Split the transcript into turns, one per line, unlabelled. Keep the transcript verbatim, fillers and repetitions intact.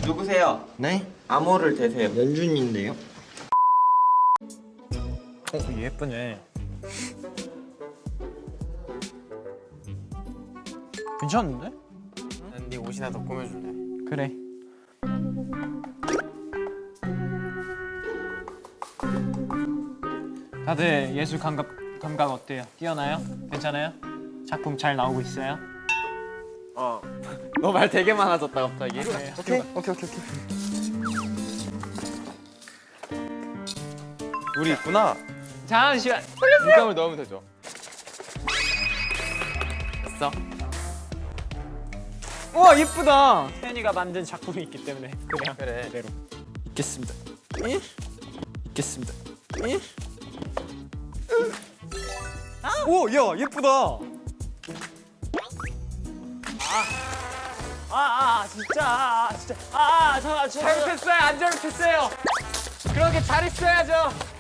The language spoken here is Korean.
누구세요?
네?
암호를 대세요.
연준인데요.
어, 예쁘네. 괜찮은데?
난 네 옷이나 더 꾸며줄래.
그래. 다들 예술 감각 감각 어때요? 뛰어나요? 괜찮아요? 작품 잘 나오고 있어요?
어. 너 말 되게 많아졌다 갑자기.
네.
오케이 오케이 오케이 오케이. 우리 있구나.
잠시만.
물감을 넣으면 되죠. 됐어.
우와 예쁘다. 태연이가 만든 작품이 있기 때문에 그냥
그래.
그대로.
있겠습니다. 이? 있겠습니다. 이?
오, 야 예쁘다. 아, 아, 진짜, 아, 진짜, 아, 아, 저, 저, 잘못했어요, 안 잘못했어요. 그렇게 잘했어야죠.